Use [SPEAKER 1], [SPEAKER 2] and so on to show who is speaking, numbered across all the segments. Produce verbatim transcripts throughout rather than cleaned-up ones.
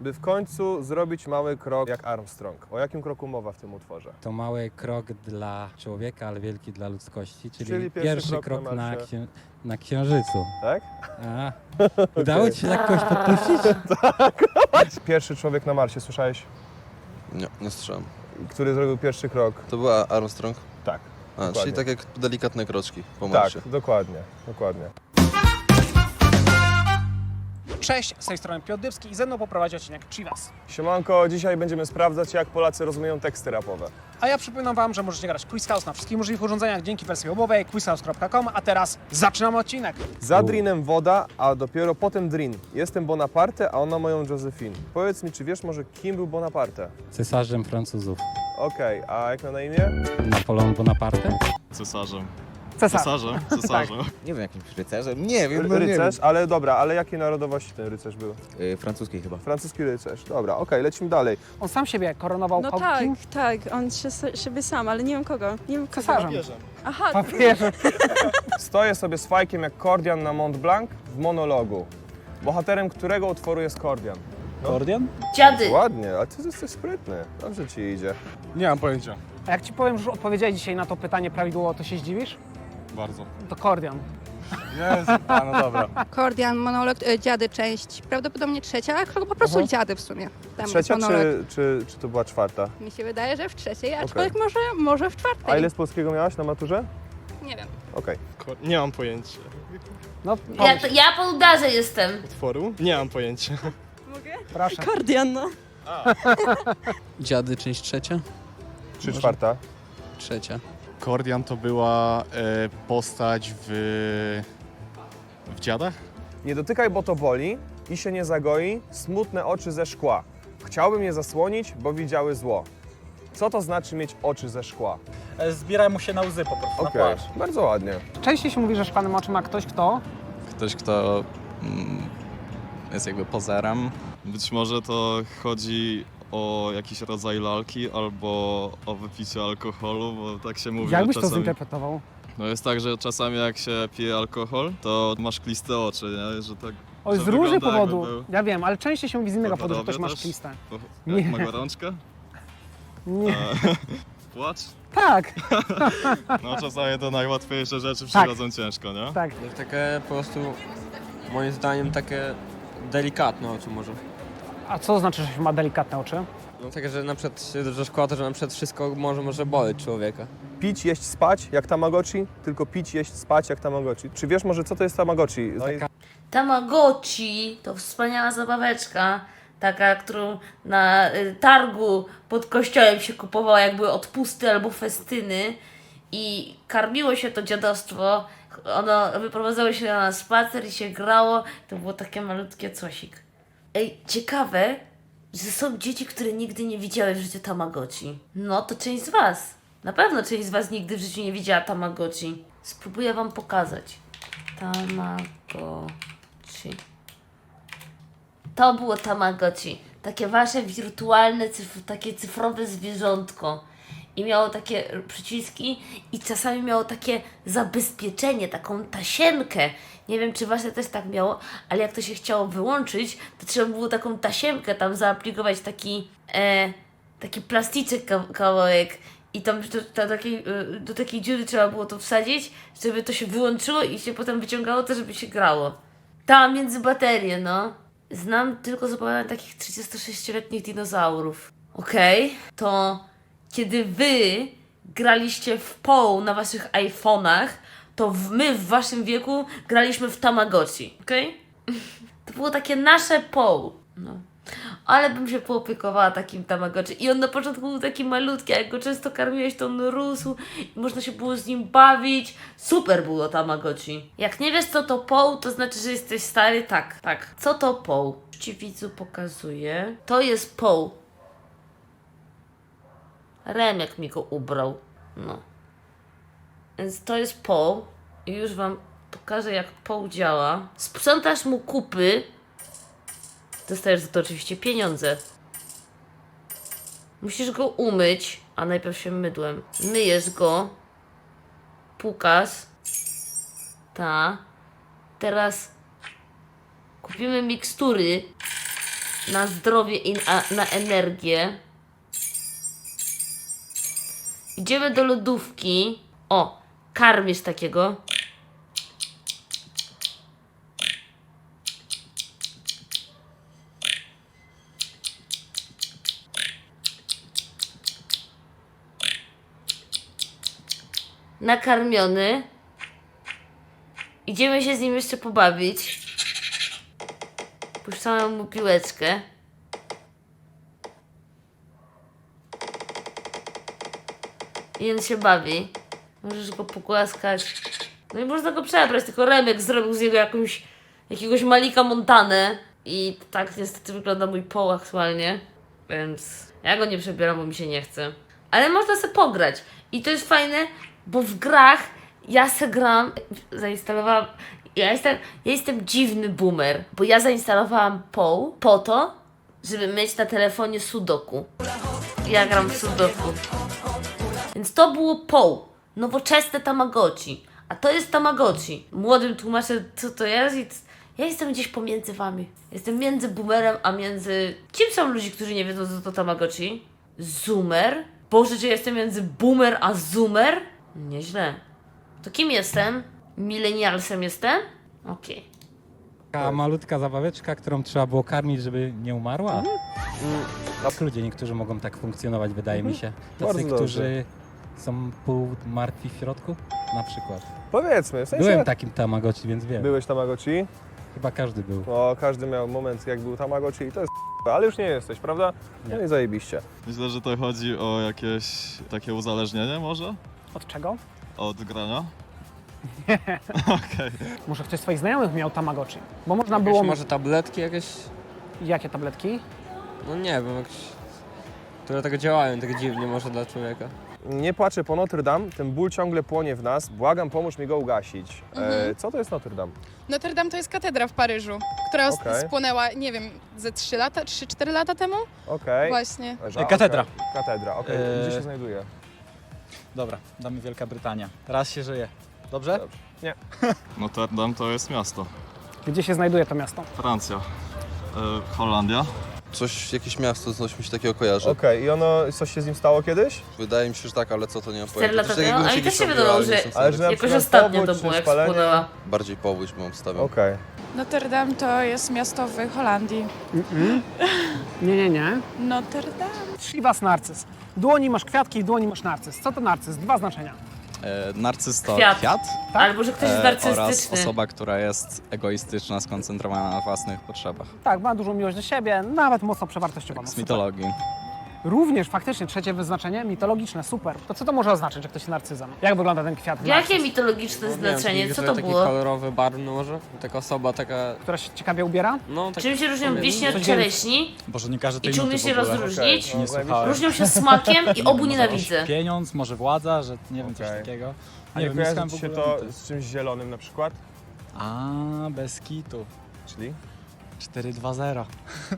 [SPEAKER 1] by w końcu zrobić mały krok jak Armstrong. O jakim kroku mowa w tym utworze?
[SPEAKER 2] To mały krok dla człowieka, ale wielki dla ludzkości, czyli,
[SPEAKER 1] Czyli pierwszy
[SPEAKER 2] pierwszy
[SPEAKER 1] krok
[SPEAKER 2] krok,
[SPEAKER 1] na
[SPEAKER 2] na,
[SPEAKER 1] Marsie.
[SPEAKER 2] księ na Księżycu.
[SPEAKER 1] Tak?
[SPEAKER 2] A, udało ci się tak kogoś podpuścić?
[SPEAKER 1] Pierwszy człowiek na Marsie, słyszałeś?
[SPEAKER 3] Nie, nie słyszałem.
[SPEAKER 1] Który zrobił pierwszy krok?
[SPEAKER 3] To była Armstrong?
[SPEAKER 1] Tak.
[SPEAKER 3] A,
[SPEAKER 1] Dokładnie.
[SPEAKER 3] czyli tak jak delikatne kroczki po
[SPEAKER 1] Tak,
[SPEAKER 3] Marsie.
[SPEAKER 1] dokładnie, dokładnie.
[SPEAKER 4] Cześć, z tej strony Piotr Dybski i ze mną poprowadzi odcinek Chivas.
[SPEAKER 1] Siemanko, dzisiaj będziemy sprawdzać, jak Polacy rozumieją teksty rapowe.
[SPEAKER 4] A ja przypominam Wam, że możecie grać Quiz House na wszystkich możliwych urządzeniach dzięki wersji webowej quiz house kropka com, a teraz zaczynamy odcinek.
[SPEAKER 1] Za Drinem woda, a dopiero potem Drin. Jestem Bonaparte, a ona moją Josephine. Powiedz mi, czy wiesz może, kim był Bonaparte?
[SPEAKER 2] Cesarzem Francuzów.
[SPEAKER 1] Okej, a jak ma na imię?
[SPEAKER 2] Napoleon Bonaparte?
[SPEAKER 5] Cesarzem.
[SPEAKER 4] Cesarz.
[SPEAKER 5] Cesarzem, cesarzem.
[SPEAKER 6] Nie wiem, jakimś rycerzem? Nie wiem,
[SPEAKER 1] Ry-
[SPEAKER 6] no nie
[SPEAKER 1] rycerz, ale dobra, ale jakiej narodowości ten rycerz był?
[SPEAKER 6] wiem. Yy, francuskiej chyba.
[SPEAKER 1] Francuski rycerz. Dobra, okej, lecimy dalej.
[SPEAKER 4] On sam siebie koronował
[SPEAKER 7] No
[SPEAKER 4] ko-
[SPEAKER 7] tak,
[SPEAKER 4] kim?
[SPEAKER 7] tak, on się, siebie sam, ale nie wiem kogo. Nie wiem kogo.
[SPEAKER 4] Cesarzem.
[SPEAKER 7] Aha,
[SPEAKER 4] Papieżem.
[SPEAKER 1] Stoję sobie z fajkiem jak Kordian na Mont Blanc w monologu. Bohaterem którego utworu jest Kordian?
[SPEAKER 4] Kordian?
[SPEAKER 8] Dziady.
[SPEAKER 1] Ładnie, ale ty jesteś sprytny. Dobrze ci idzie.
[SPEAKER 5] Nie mam pojęcia.
[SPEAKER 4] A jak Ci powiem, że odpowiedziałeś dzisiaj na to pytanie prawidłowo, to się zdziwisz?
[SPEAKER 5] Bardzo.
[SPEAKER 4] To Kordian.
[SPEAKER 5] Jezu, a no dobra.
[SPEAKER 9] Kordian, monolog, e, dziady, część, prawdopodobnie trzecia, ale chyba po prostu
[SPEAKER 4] Mhm.
[SPEAKER 9] dziady w sumie. Tam
[SPEAKER 1] Trzecia
[SPEAKER 9] jest monolog.
[SPEAKER 1] czy, czy, czy to była czwarta?
[SPEAKER 9] Mi się wydaje, że w trzeciej, aczkolwiek może, może w czwartej.
[SPEAKER 1] A ile z polskiego miałaś na maturze?
[SPEAKER 9] Nie wiem.
[SPEAKER 1] Okej.
[SPEAKER 5] Nie mam pojęcia.
[SPEAKER 4] No,
[SPEAKER 8] Ja,
[SPEAKER 4] pomyśl,
[SPEAKER 8] ja po udarze jestem.
[SPEAKER 5] Utworu? Nie mam pojęcia.
[SPEAKER 4] proszę.
[SPEAKER 7] Kordian, no.
[SPEAKER 10] Dziady, część trzecia?
[SPEAKER 1] Czy
[SPEAKER 10] Może.
[SPEAKER 1] czwarta?
[SPEAKER 10] Trzecia.
[SPEAKER 5] Kordian to była e, postać w... w Dziadach?
[SPEAKER 1] Nie dotykaj, bo to boli i się nie zagoi, smutne oczy ze szkła. Chciałbym je zasłonić, bo widziały zło. Co to znaczy mieć oczy ze szkła?
[SPEAKER 11] Zbieraj mu się na łzy po prostu,
[SPEAKER 1] Okej,
[SPEAKER 11] na płacz.
[SPEAKER 1] bardzo ładnie.
[SPEAKER 4] Częściej się mówi, że szklanym oczy ma ktoś, kto...
[SPEAKER 10] Ktoś, kto mm, jest jakby pozerem.
[SPEAKER 5] Być może to chodzi o jakiś rodzaj lalki albo o wypiciu alkoholu, bo tak się mówi.
[SPEAKER 4] Jak
[SPEAKER 5] że
[SPEAKER 4] byś to
[SPEAKER 5] czasami...
[SPEAKER 4] zinterpretował?
[SPEAKER 5] No jest tak, że czasami jak się pije alkohol, to masz kliste oczy, nie? Że tak...
[SPEAKER 4] Oj,
[SPEAKER 5] że
[SPEAKER 4] z różnych
[SPEAKER 5] wygląda, jakby
[SPEAKER 4] powodów.
[SPEAKER 5] był-
[SPEAKER 4] Ja wiem, ale częściej się mówi z innego powodu, że ktoś
[SPEAKER 5] Podobnie
[SPEAKER 4] ma
[SPEAKER 5] też?
[SPEAKER 4] szkliste.
[SPEAKER 5] Po...
[SPEAKER 4] Nie.
[SPEAKER 5] Jak ma gorączkę?
[SPEAKER 4] Nie.
[SPEAKER 5] E, Płacz?
[SPEAKER 4] Tak,
[SPEAKER 5] No czasami to najłatwiejsze rzeczy
[SPEAKER 4] Tak.
[SPEAKER 5] przychodzą ciężko, nie?
[SPEAKER 4] tak.
[SPEAKER 10] Takie po prostu, moim zdaniem, takie delikatne oczy może.
[SPEAKER 4] A co znaczy, że ma delikatne oczy?
[SPEAKER 10] No takie, że na przykład się dużo szkoda, że na przykład wszystko może, może boleć człowieka.
[SPEAKER 1] Pić, jeść, spać jak Tamagotchi, tylko pić, jeść, spać jak Tamagotchi. Czy wiesz może, co to jest Tamagotchi? No i
[SPEAKER 8] Tamagotchi to wspaniała zabaweczka, taka, którą na y, targu pod kościołem się kupowało, jak były odpusty albo festyny i karmiło się to dziadostwo. Ono wyprowadzało się na spacer i się grało. To było takie malutkie cosik. Ej, ciekawe, że są dzieci, które nigdy nie widziały w życiu Tamagotchi. No to część z was. Na pewno część z was nigdy w życiu nie widziała Tamagotchi. Spróbuję wam pokazać. Tamagotchi. To było Tamagotchi. Takie wasze wirtualne, cyf takie cyfrowe zwierzątko. I miało takie przyciski i czasami miało takie zabezpieczenie, taką tasiemkę. Nie wiem, czy wasze też tak miało, ale jak to się chciało wyłączyć, to trzeba było taką tasiemkę tam zaaplikować, taki, e, taki plastyczek ka kawałek. I tam do, do, takiej, y, do takiej dziury trzeba było to wsadzić, żeby to się wyłączyło i się potem wyciągało to, żeby się grało. Tam między baterie, no. Znam tylko z opowiadań takich trzydziestosześcioletnich dinozaurów. Okej, okay. To kiedy wy graliście w Poł na waszych iPhone'ach, to w, my w waszym wieku graliśmy w Tamagotchi, okej? Okay? To było takie nasze Poł. No. Ale bym się poopiekowała takim Tamagotchi. I on na początku był taki malutki, a jak go często karmiłeś, to on rósł i można się było z nim bawić. Super było Tamagotchi. Jak nie wiesz, co to Poł, to znaczy, że jesteś stary? Tak, tak. Co to Poł? Już ci widzu pokazuję. To jest Poł. Remek mi go ubrał. No. Więc to jest Poł. I już wam pokażę, jak Poł działa. Sprzątasz mu kupy. Dostajesz za to oczywiście pieniądze. Musisz go umyć, a najpierw się mydłem. Myjesz go. Pukasz. Ta. Teraz kupimy mikstury. na zdrowie i na, na energię. Idziemy do lodówki. O, karmisz takiego. Nakarmiony. Idziemy się z nim jeszcze pobawić. Puszczamy mu piłeczkę. I on się bawi. Możesz go pogłaskać. No i można go przebrać, tylko Remek zrobił z niego jakąś, jakiegoś Malika Montanę. I tak niestety wygląda mój poł aktualnie. Więc ja go nie przebieram, bo mi się nie chce. Ale można sobie pograć. I to jest fajne, bo w grach ja se gram, zainstalowałam, ja jestem, ja jestem dziwny boomer, bo ja zainstalowałam poł po to, żeby mieć na telefonie Sudoku. Ja gram w Sudoku. Więc to było poł, nowoczesne Tamagotchi, a to jest Tamagotchi. Młodym tłumaczę, co to jest i ja jestem gdzieś pomiędzy wami. Jestem między boomerem, a między... Kim są ludzie, którzy nie wiedzą, co to Tamagotchi? Zoomer? Boże, czy jestem między boomer a zoomer? Nieźle. To kim jestem? Millennialsem jestem? Okej. Okay.
[SPEAKER 2] Taka malutka zabaweczka, którą trzeba było karmić, żeby nie umarła.
[SPEAKER 1] Mhm.
[SPEAKER 2] Tak ludzie niektórzy mogą tak funkcjonować, wydaje mi się. Tacy,
[SPEAKER 1] Bardzo
[SPEAKER 2] którzy są pół martwi w środku, na przykład.
[SPEAKER 1] Powiedzmy, w sensie...
[SPEAKER 2] Byłem takim Tamagotchi, więc wiem.
[SPEAKER 1] Byłeś Tamagotchi?
[SPEAKER 2] Chyba każdy był.
[SPEAKER 1] No, każdy miał moment, jak był Tamagotchi i to jest ale już nie jesteś, prawda? No
[SPEAKER 2] Nie.
[SPEAKER 1] i zajebiście.
[SPEAKER 5] Myślę, że to chodzi o jakieś takie uzależnienie może?
[SPEAKER 4] Od czego?
[SPEAKER 5] Od grania? Okej.
[SPEAKER 4] Może ktoś z twoich znajomych miał Tamagotchi? Bo można
[SPEAKER 10] Jakieś
[SPEAKER 4] było...
[SPEAKER 10] może tabletki jakieś?
[SPEAKER 4] Jakie tabletki?
[SPEAKER 10] No nie wiem, jakieś... które tak działają tak dziwnie może dla człowieka.
[SPEAKER 1] Nie płaczę po Notre Dame, ten ból ciągle płonie w nas. Błagam, pomóż mi go ugasić. E, co to jest Notre Dame?
[SPEAKER 9] Notre Dame to jest katedra w Paryżu, która os-
[SPEAKER 1] Okej.
[SPEAKER 9] spłonęła, nie wiem, ze trzy lata, trzy cztery lata temu?
[SPEAKER 1] Okej.
[SPEAKER 9] Właśnie.
[SPEAKER 1] Ża-
[SPEAKER 11] Katedra.
[SPEAKER 1] okej. Katedra, okej.
[SPEAKER 11] Eee.
[SPEAKER 1] Gdzie się znajduje?
[SPEAKER 11] Dobra, damy Wielka Brytania. Raz się żyje. Dobrze?
[SPEAKER 1] Dobrze. Nie.
[SPEAKER 5] Notre Dame to jest miasto.
[SPEAKER 4] Gdzie się znajduje to miasto?
[SPEAKER 5] Francja. E, Holandia.
[SPEAKER 3] Coś, jakieś miasto, coś mi się takiego kojarzy.
[SPEAKER 1] Okej, i ono, coś się z nim stało kiedyś?
[SPEAKER 3] Wydaje mi się, że tak, ale co to nie mam
[SPEAKER 8] Cztery
[SPEAKER 3] pojęcia.
[SPEAKER 8] lata
[SPEAKER 3] Coś takiego
[SPEAKER 8] temu?
[SPEAKER 3] mi
[SPEAKER 8] Ale też się
[SPEAKER 3] gdzieś
[SPEAKER 8] wydawało,
[SPEAKER 3] robiło, ale
[SPEAKER 8] że
[SPEAKER 3] nie jestem
[SPEAKER 1] Ale
[SPEAKER 3] sobie-
[SPEAKER 1] że na
[SPEAKER 8] jakoś
[SPEAKER 1] przykład
[SPEAKER 8] ostatnio
[SPEAKER 1] powódź
[SPEAKER 8] to
[SPEAKER 1] czy
[SPEAKER 8] było, jak
[SPEAKER 1] spalenie?
[SPEAKER 8] spłonęła.
[SPEAKER 3] Bardziej powódź bym obstawiał.
[SPEAKER 1] Okej.
[SPEAKER 9] Notre Dame to jest miasto w Holandii.
[SPEAKER 4] Nie, nie, nie.
[SPEAKER 9] Notre Dame.
[SPEAKER 4] Chivas narcyz. W dłoni masz kwiatki, w dłoni masz narcyz. Co to narcyz? Dwa znaczenia.
[SPEAKER 12] E, narcyz to
[SPEAKER 8] Kwiat.
[SPEAKER 12] kwiat,
[SPEAKER 8] Albo, że ktoś jest
[SPEAKER 12] e, oraz
[SPEAKER 8] narcystyczny.
[SPEAKER 12] osoba, która jest egoistyczna, skoncentrowana na własnych potrzebach.
[SPEAKER 4] Tak, ma dużą miłość do siebie, nawet mocno przewartościowaną.
[SPEAKER 12] Z
[SPEAKER 4] Super.
[SPEAKER 12] mitologii.
[SPEAKER 4] Również faktycznie trzecie wyznaczenie mitologiczne, super. To co to może oznaczać, że ktoś jest narcyzem? Jak wygląda ten kwiat?
[SPEAKER 8] Jakie
[SPEAKER 4] narcyz?
[SPEAKER 8] mitologiczne
[SPEAKER 10] No, nie wiem,
[SPEAKER 8] znaczenie?
[SPEAKER 10] taki,
[SPEAKER 8] Co
[SPEAKER 10] że
[SPEAKER 8] to
[SPEAKER 10] taki
[SPEAKER 8] było?
[SPEAKER 10] kolorowy, barwny może? Taka osoba taka...
[SPEAKER 4] Która się ciekawie ubiera?
[SPEAKER 10] No, tak...
[SPEAKER 8] Czym się różnią
[SPEAKER 10] powiedzmy.
[SPEAKER 8] wiśnie od
[SPEAKER 4] Coś
[SPEAKER 8] czereśni?
[SPEAKER 11] Boże, nie każdy
[SPEAKER 8] I
[SPEAKER 11] tej
[SPEAKER 8] czy
[SPEAKER 11] nuty
[SPEAKER 8] umiesz
[SPEAKER 11] w
[SPEAKER 8] je
[SPEAKER 11] ogóle.
[SPEAKER 8] rozróżnić?
[SPEAKER 1] Okej.
[SPEAKER 11] Nie słuchałem.
[SPEAKER 8] Różnią się smakiem i obu
[SPEAKER 11] Może
[SPEAKER 8] nienawidzę.
[SPEAKER 11] oś- Pieniądz, może władza, że nie wiem, coś
[SPEAKER 1] Okej.
[SPEAKER 11] takiego.
[SPEAKER 1] A
[SPEAKER 11] Nie
[SPEAKER 1] nie
[SPEAKER 11] wiem, nie słuchałem
[SPEAKER 1] kojarzy
[SPEAKER 11] w
[SPEAKER 1] ci się
[SPEAKER 11] ogóle
[SPEAKER 1] to
[SPEAKER 11] nuty.
[SPEAKER 1] z czymś zielonym na przykład?
[SPEAKER 11] A, bez kitu.
[SPEAKER 1] Czyli?
[SPEAKER 11] cztery dwa zero.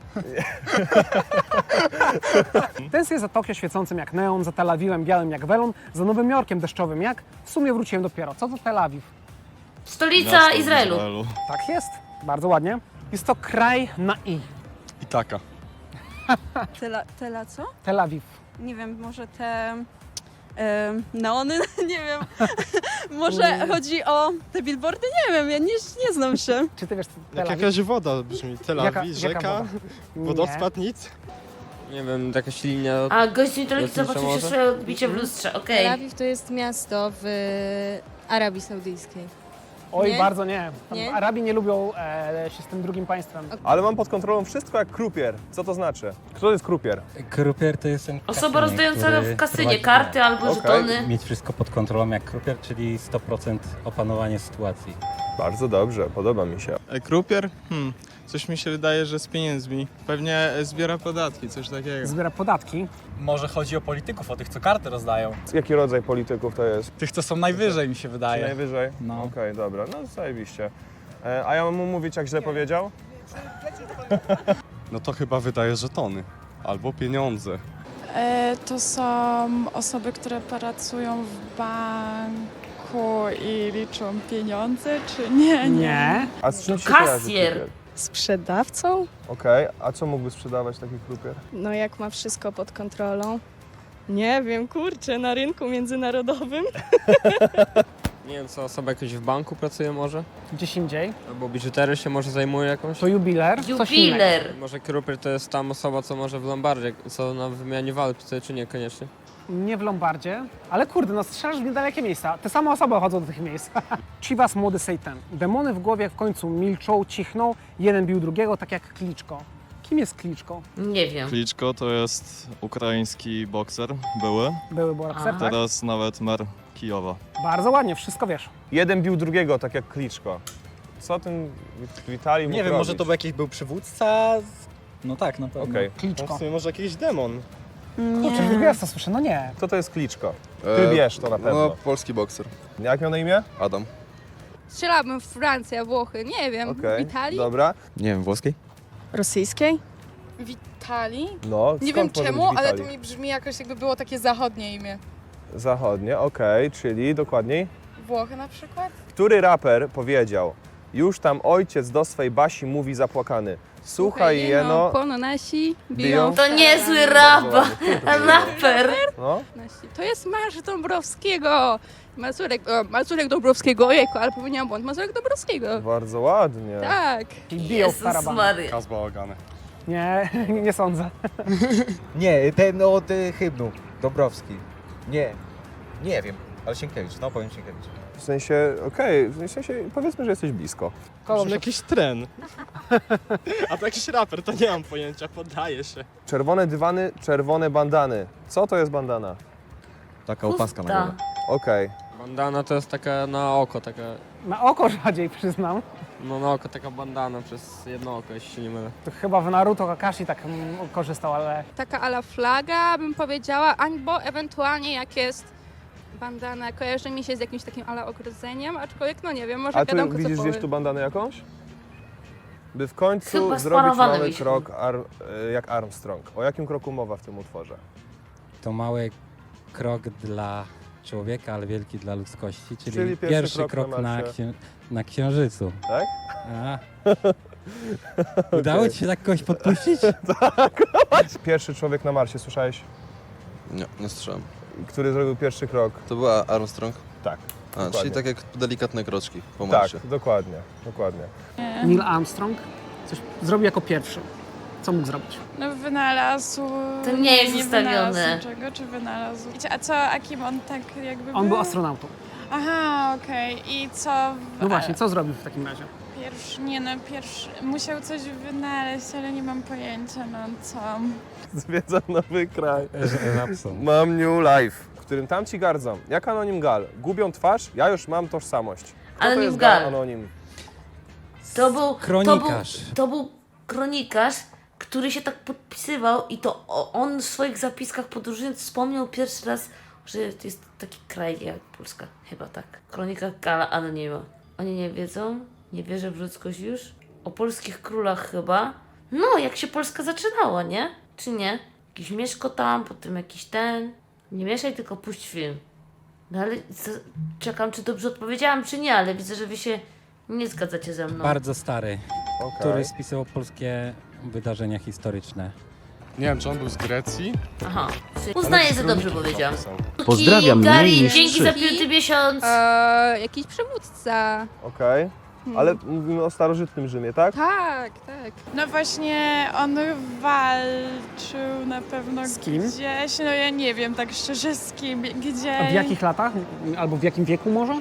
[SPEAKER 4] Tęsknię za Tokio świecącym jak neon, za Tel Awiwem białym jak welon, za Nowym Jorkiem deszczowym jak... W sumie wróciłem dopiero. Co to Tel Awiw?
[SPEAKER 8] Stolica
[SPEAKER 5] Miasto w
[SPEAKER 8] Izraelu.
[SPEAKER 4] Tak jest. Bardzo ładnie. Jest to kraj na i.
[SPEAKER 11] I taka.
[SPEAKER 7] Tela, tela co?
[SPEAKER 4] Tel Awiw.
[SPEAKER 7] Nie wiem, może te e, neony? Nie wiem. Może chodzi o te billboardy? Nie wiem, ja nie, nie znam się.
[SPEAKER 4] Czy ty wiesz, co Tel
[SPEAKER 13] Jak
[SPEAKER 4] Awiw?
[SPEAKER 13] jakaś woda brzmi. Tel
[SPEAKER 4] Jaka-
[SPEAKER 13] Awiw,
[SPEAKER 4] jaka
[SPEAKER 13] rzeka,
[SPEAKER 4] woda? Nie.
[SPEAKER 13] wodospad, nic.
[SPEAKER 10] Nie wiem, jakaś linia...
[SPEAKER 8] A gość mitologii
[SPEAKER 10] Lotnicza
[SPEAKER 8] zobaczył się
[SPEAKER 10] może?
[SPEAKER 8] swoje odbicie w lustrze, okej.
[SPEAKER 9] Awiw to jest miasto w Arabii Saudyjskiej.
[SPEAKER 4] Oj,
[SPEAKER 9] Nie?
[SPEAKER 4] bardzo nie. Tam
[SPEAKER 9] Nie?
[SPEAKER 4] Arabii nie lubią e, się z tym drugim państwem.
[SPEAKER 1] Ale mam pod kontrolą wszystko jak krupier. Co to znaczy? Kto to jest krupier?
[SPEAKER 2] Krupier to jest ten
[SPEAKER 8] Osoba
[SPEAKER 2] kasynier,
[SPEAKER 8] rozdająca
[SPEAKER 2] który
[SPEAKER 8] w kasynie
[SPEAKER 2] prowadzi
[SPEAKER 8] karty albo
[SPEAKER 1] Okej.
[SPEAKER 8] żetony.
[SPEAKER 2] mieć wszystko pod kontrolą jak krupier, czyli sto procent opanowanie sytuacji.
[SPEAKER 1] Bardzo dobrze, podoba mi się.
[SPEAKER 13] E, Krupier? Hmm. Coś mi się wydaje, że z pieniędzmi. Pewnie e, zbiera podatki, coś takiego.
[SPEAKER 4] Zbiera podatki.
[SPEAKER 11] Może chodzi o polityków, o tych, co karty rozdają.
[SPEAKER 1] Jaki rodzaj polityków to jest?
[SPEAKER 11] Tych, co są najwyżej, mi się
[SPEAKER 1] Czy
[SPEAKER 11] wydaje.
[SPEAKER 1] najwyżej?
[SPEAKER 11] No.
[SPEAKER 1] Okej, dobra, no zajebiście. E, a ja mam mu mówić, jak źle powiedział?
[SPEAKER 13] No to chyba wydaje żetony. Albo pieniądze.
[SPEAKER 9] to są osoby, które pracują w banku i liczą pieniądze, czy nie?
[SPEAKER 4] Nie.
[SPEAKER 1] A z czym się
[SPEAKER 8] Kasjer.
[SPEAKER 1] kojarzy krupier?
[SPEAKER 9] Sprzedawcą?
[SPEAKER 1] Okej, a co mógłby sprzedawać taki krupier?
[SPEAKER 9] No jak ma wszystko pod kontrolą. Nie wiem, kurczę, na rynku międzynarodowym.
[SPEAKER 10] Nie wiem, co osoba jakoś w banku pracuje może?
[SPEAKER 4] Gdzieś indziej.
[SPEAKER 10] Albo biżuterią się może zajmuje jakąś?
[SPEAKER 4] To jubiler, coś innego.
[SPEAKER 8] Jubiler.
[SPEAKER 10] Może krupier to jest tam osoba, co może w Lombardzie, co na wymianie walut pracuje, czy nie koniecznie?
[SPEAKER 4] Nie w Lombardzie, ale kurde, no strzelasz w niedalekie miejsca. Te same osoby chodzą do tych miejsc. Chivas, młody Satan. Demony w głowie w końcu milczą, cichną. Jeden bił drugiego, tak jak Kliczko. Kim jest Kliczko?
[SPEAKER 8] Nie wiem.
[SPEAKER 5] Kliczko to jest ukraiński bokser, były.
[SPEAKER 4] Były bokser, tak?
[SPEAKER 5] Teraz nawet mer Kijowa.
[SPEAKER 4] Bardzo ładnie, wszystko wiesz.
[SPEAKER 1] Jeden bił drugiego, tak jak Kliczko. Co ten Witalij mógł
[SPEAKER 11] Nie wiem, może
[SPEAKER 1] robić?
[SPEAKER 11] to był jakiś był przywódca? No tak, na pewno.
[SPEAKER 1] Okej.
[SPEAKER 4] Kliczko.
[SPEAKER 13] może jakiś demon.
[SPEAKER 4] Kurczę, drugi raz to słyszę, no nie.
[SPEAKER 1] Co to jest Kliczko? Ty wiesz to na pewno.
[SPEAKER 3] No, polski bokser.
[SPEAKER 1] Jak miał na imię?
[SPEAKER 3] Adam.
[SPEAKER 7] Strzelałabym w Francja, Włochy, nie wiem,
[SPEAKER 1] Okej,
[SPEAKER 7] w Italii?
[SPEAKER 1] dobra.
[SPEAKER 6] Nie wiem, włoskiej?
[SPEAKER 9] Rosyjskiej?
[SPEAKER 14] Witalii?
[SPEAKER 1] No,
[SPEAKER 14] Nie
[SPEAKER 1] skąd
[SPEAKER 14] wiem
[SPEAKER 1] może
[SPEAKER 14] czemu,
[SPEAKER 1] być
[SPEAKER 14] ale
[SPEAKER 1] Witalij?
[SPEAKER 14] to mi brzmi jakoś jakby było takie zachodnie imię.
[SPEAKER 1] Zachodnie, okej, czyli dokładniej.
[SPEAKER 14] Włochy na przykład?
[SPEAKER 1] Który raper powiedział: już tam ojciec do swej Basi mówi zapłakany. Słuchaj jeno...
[SPEAKER 7] Pono nasi
[SPEAKER 1] biją
[SPEAKER 7] biją.
[SPEAKER 8] To niezły
[SPEAKER 1] Bardzo
[SPEAKER 8] rapa,
[SPEAKER 1] ładnie.
[SPEAKER 8] raper.
[SPEAKER 1] No,
[SPEAKER 7] Nasi. To jest Marsz Dąbrowskiego. Mazurek, o, Mazurek Dąbrowskiego, ojejku, ale popełniłam błąd. Mazurek Dąbrowskiego.
[SPEAKER 1] bardzo ładnie.
[SPEAKER 7] Tak.
[SPEAKER 4] Czyli biją w
[SPEAKER 8] Jezus
[SPEAKER 4] tarabany.
[SPEAKER 8] Maria.
[SPEAKER 13] Kaz bałagany.
[SPEAKER 4] Nie, nie sądzę.
[SPEAKER 6] Nie, ten od y, hymnu. Dąbrowski. Nie. Nie wiem. Ale Sienkiewicz, no powiem Sienkiewicz.
[SPEAKER 1] W sensie, okej, w sensie powiedzmy, że jesteś blisko.
[SPEAKER 4] Koło
[SPEAKER 13] Może jakiś tren. A to jakiś raper, to nie mam pojęcia, poddaję się.
[SPEAKER 1] Czerwone dywany, czerwone bandany. Co to jest bandana?
[SPEAKER 6] Taka opaska na
[SPEAKER 8] Pusta.
[SPEAKER 6] głowę.
[SPEAKER 1] Okej.
[SPEAKER 10] Bandana to jest taka na oko, taka,
[SPEAKER 4] Na oko rzadziej przyznam.
[SPEAKER 10] no na oko taka bandana przez jedno oko, jeśli się nie mylę.
[SPEAKER 4] To chyba w Naruto Kakashi tak mm, korzystał, ale
[SPEAKER 7] Taka ala flaga, bym powiedziała, albo ewentualnie jak jest bandana, kojarzy mi się z jakimś takim ala ogrodzeniem, aczkolwiek no nie wiem, może
[SPEAKER 1] A tu
[SPEAKER 7] gadam
[SPEAKER 1] widzisz
[SPEAKER 7] kocopoły.
[SPEAKER 1] gdzieś tu bandanę jakąś? By w końcu
[SPEAKER 8] Chyba
[SPEAKER 1] zrobić
[SPEAKER 8] sparowane
[SPEAKER 1] mały
[SPEAKER 8] wisi.
[SPEAKER 1] krok ar, e, jak Armstrong. O jakim kroku mowa w tym utworze?
[SPEAKER 2] To mały krok dla człowieka, ale wielki dla ludzkości, czyli,
[SPEAKER 1] Czyli pierwszy
[SPEAKER 2] pierwszy,
[SPEAKER 1] krok
[SPEAKER 2] krok,
[SPEAKER 1] na
[SPEAKER 2] na,
[SPEAKER 1] Marsie.
[SPEAKER 2] księ- na Księżycu.
[SPEAKER 1] Tak?
[SPEAKER 2] A. Udało ci się tak kogoś podpuścić?
[SPEAKER 1] Pierwszy człowiek na Marsie, słyszałeś?
[SPEAKER 3] Nie, nie słyszałem.
[SPEAKER 1] Który zrobił pierwszy krok?
[SPEAKER 3] To była Armstrong?
[SPEAKER 1] Tak.
[SPEAKER 3] A,
[SPEAKER 1] dokładnie.
[SPEAKER 3] czyli tak jak delikatne kroczki po
[SPEAKER 1] Tak,
[SPEAKER 3] marsie.
[SPEAKER 1] dokładnie, dokładnie.
[SPEAKER 4] Neil Armstrong coś zrobił jako pierwszy. Co mógł zrobić?
[SPEAKER 9] No wynalazł...
[SPEAKER 8] To nie jest
[SPEAKER 9] nie
[SPEAKER 8] ustawione.
[SPEAKER 9] wynalazł czego, czy wynalazł? Wiecie, a co, a kim on tak jakby
[SPEAKER 4] On był astronautą.
[SPEAKER 9] Aha, okej. I co... w-
[SPEAKER 4] No właśnie, co zrobił w takim razie?
[SPEAKER 9] Pierwszy, nie no, pierwszy... Musiał coś wynaleźć, ale nie mam pojęcia, no co.
[SPEAKER 1] Zwiedzam nowy kraj.
[SPEAKER 2] Rapson.
[SPEAKER 1] Mam new life, w którym tam ci gardzą. Jak anonim gal. Gubią twarz, ja już mam tożsamość. Kto to
[SPEAKER 8] Anonim
[SPEAKER 1] jest
[SPEAKER 8] gal.
[SPEAKER 1] anonim?
[SPEAKER 8] To był
[SPEAKER 2] Kronikarz.
[SPEAKER 8] To był, to był kronikarz, który się tak podpisywał i to o- on w swoich zapiskach podróżując wspomniał pierwszy raz, że to jest taki kraj jak Polska. Chyba tak. Kronika Gala Anonima. Oni nie wiedzą, nie wierzę w ludzkość już. O polskich królach chyba. No, jak się Polska zaczynała, nie? Czy nie? Jakiś Mieszko tam, potem jakiś ten. Nie mieszaj, tylko puść film. No ale co, czekam, czy dobrze odpowiedziałam, czy nie, ale widzę, że wy się nie zgadzacie ze mną.
[SPEAKER 2] Bardzo stary,
[SPEAKER 1] Okej.
[SPEAKER 2] który spisywał polskie wydarzenia historyczne.
[SPEAKER 13] Nie wiem, czy on był z Grecji?
[SPEAKER 8] Aha, uznaję, że dobrze powiedziałam.
[SPEAKER 15] Pozdrawiam
[SPEAKER 8] Gary,
[SPEAKER 15] mniej niż
[SPEAKER 8] dzięki
[SPEAKER 15] trzy.
[SPEAKER 8] za piąty miesiąc.
[SPEAKER 7] Eee, jakiś przywódca.
[SPEAKER 1] Okej. Ale mówimy o starożytnym Rzymie, tak?
[SPEAKER 7] Tak, tak.
[SPEAKER 9] No właśnie, on walczył na pewno
[SPEAKER 4] Z kim?
[SPEAKER 9] gdzieś, no ja nie wiem tak szczerze z kim, gdzie...
[SPEAKER 4] A w jakich latach? Albo w jakim wieku może?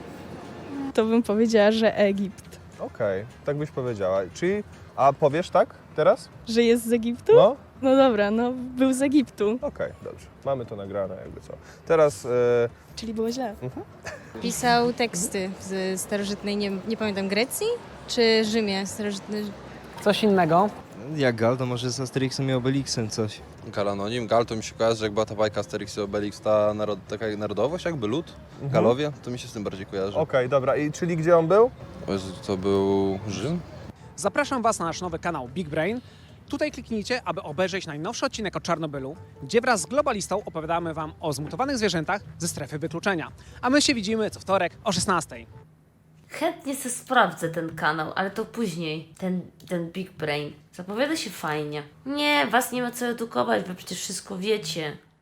[SPEAKER 9] To bym powiedziała, że Egipt.
[SPEAKER 1] Okej, tak byś powiedziała. Czyli, a powiesz tak teraz?
[SPEAKER 9] Że jest z Egiptu?
[SPEAKER 1] No?
[SPEAKER 9] No dobra, no był z Egiptu.
[SPEAKER 1] Okej, dobrze. Mamy to nagrane, jakby co. Teraz... E,
[SPEAKER 9] Czyli było źle.
[SPEAKER 14] Pisał teksty z starożytnej, nie, nie pamiętam, Grecji czy Rzymie starożytnej?
[SPEAKER 4] Coś innego.
[SPEAKER 15] Jak Gal, to może z Asterixem i Obelixem coś.
[SPEAKER 3] Gal anonim. Gal to mi się kojarzy, że jak była ta bajka Asterix i Obelix, ta narod, taka narodowość jakby lud,
[SPEAKER 1] mhm.
[SPEAKER 3] Galowie, to mi się z tym bardziej kojarzy.
[SPEAKER 1] Okej, dobra. I czyli gdzie on był?
[SPEAKER 3] O Jezu, to był Rzym?
[SPEAKER 4] Zapraszam Was na nasz nowy kanał Big Brain. Tutaj kliknijcie, aby obejrzeć najnowszy odcinek o Czarnobylu, gdzie wraz z globalistą opowiadamy Wam o zmutowanych zwierzętach ze strefy wykluczenia. A my się widzimy co wtorek o szesnastej.
[SPEAKER 8] Chętnie se sprawdzę ten kanał, ale to później. Ten, ten Big Brain. Zapowiada się fajnie. Nie, was nie ma co edukować, wy przecież wszystko wiecie.